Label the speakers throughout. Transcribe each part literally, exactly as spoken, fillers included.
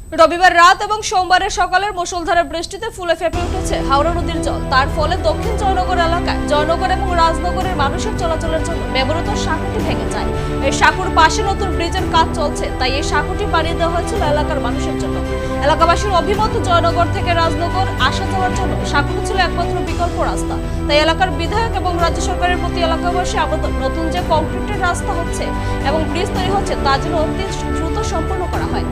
Speaker 1: রবিবার রাত এবং সোমবারের সকালের মুষলধারে বৃষ্টিতে ফুলে ফেপে উঠেছে হাওড়া নদীর জল। তার ফলে দক্ষিণ জয়নগর এলাকায় জয়নগর এবং রাজনগরের মানুষের চলাচলের জন্য ব্যবহৃত সাঁকুটি ভেঙে যায়। এই সাঁকুর পাশে নতুন ব্রিজের কাজ চলছে, তাই এই সাঁকুটি বাড়িয়ে দেওয়া হয়েছিল এলাকার মানুষের জন্য। এলাকাবাসীর অভিমত, জয়নগর থেকে রাজনগর আসা যাওয়ার জন্য সাঁকুটি ছিল একমাত্র বিকল্প রাস্তা। তাই এলাকার বিধায়ক এবং রাজ্য সরকারের প্রতি এলাকাবাসী আবেদন, নতুন যে কংক্রিটের রাস্তা হচ্ছে এবং ব্রিজ তৈরি হচ্ছে তা যেন অতি দ্রুত সম্পন্ন করা হয়।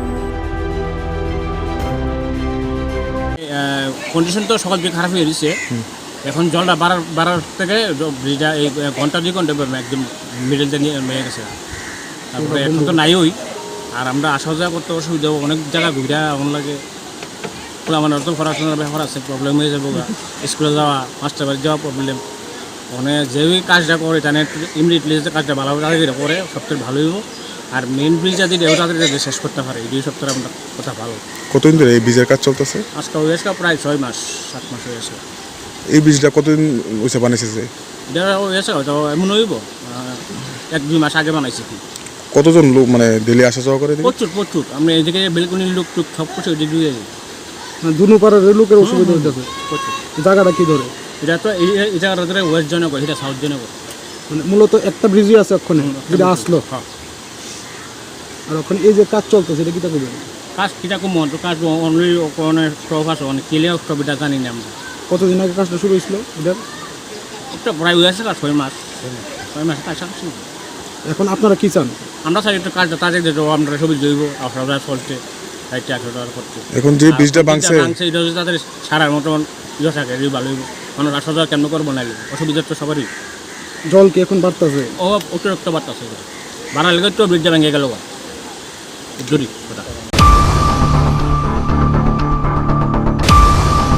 Speaker 2: কন্ডিশন তো সকাল থেকে খারাপ হয়ে গেছে। এখন জলটা বাড়ার বাড়ার থেকে ব্রিজটা এই ঘন্টা দুই ঘন্টা একদম মিডল দিয়ে নিয়ে গেছে। তারপরে এখন তো নাই ওই, আর আমরা আসা যাওয়া করতে অসুবিধা, অনেক জায়গা ঘুরা এমন লাগে। আমার তো পড়াশোনার ব্যাপার আছে, প্রবলেম হয়ে যাবো, স্কুলে যাওয়া, মাস্টার বাড়ি যাওয়া প্রবলেম। মানে যে ওই কাজটা করে জানে ইমিডিয়েটলি যে কাজটা ভালোভাবে তাদের করে সবথেকে ভালো হইব। আর মেইন ব্রিজটা যদি তাদের শেষ করতে পারে এই দুই সপ্তাহে আমরা কথা ভালো।
Speaker 3: কতদিন ধরে এই ব্রিজের কাজ চলতেছে?
Speaker 2: আজকে হয়ে আসে প্রায় ছয় মাস সাত মাস হয়ে আসে।
Speaker 3: এই ব্রিজটা কতদিন হয়েছে বানিয়েছে?
Speaker 2: এটা হয়েছে হয়তো এমন হইব এক দুই মাস আগে বানাইছি। কি
Speaker 3: কতজন লোক মানে ডেলি আসা যাওয়া করে?
Speaker 2: প্রচুর প্রচুর। আমরা এদিকে বেলকুনির লোক টুক সব কিছু এদিকে দিয়ে যাই।
Speaker 4: দুনো পাড়ার লোকের অসুবিধা হইতেছে।
Speaker 2: প্রচুর।
Speaker 4: জায়গাটা কি ধরে?
Speaker 2: এটা তো এই এই জায়গাটা ধরে ওয়েস্ট জয়নগর, এটা সাউথ জয়নগর।
Speaker 4: মানে মূলত একটা ব্রিজই আছে ওখানে যেটা আসলো।
Speaker 2: হ্যাঁ।
Speaker 4: আর ওখানে এই যে কাজ চলতেছে এটা কিটা করবেন?
Speaker 2: কাজ কিটা কম কাজ অনলি অনেক স্টপ আছে, অনেক কেলে স্টপ এটা জানি না আমরা।
Speaker 4: কতদিন আগে কাজটা শুরু হয়েছিল এটার?
Speaker 2: একটা প্রায় হয়ে আসে ছয় মাস ছয় মাস কাজ আসছে।
Speaker 4: এখন আপনারা কি চান?
Speaker 2: আমরা চাই একটু কাজটা তাদের দিতে, আমরা সবই জৈব আপনারা চলছে সাইডটা একশো টাকা করছে।
Speaker 3: এখন যে ব্রিজটা ভাঙছে
Speaker 2: এটা হচ্ছে তাদের সারার মতন ইয়ে থাকে, এই ভালো হইব। মানুষ আসা যাওয়া কেমন করবো না, অসুবিধা তো সবারই।
Speaker 4: জল কি এখন বাড়তেছে?
Speaker 2: ও অতিরিক্ত বাড়তেছে, বাড়ার লেগে তো ব্রিজটা ভেঙে গেল জরি।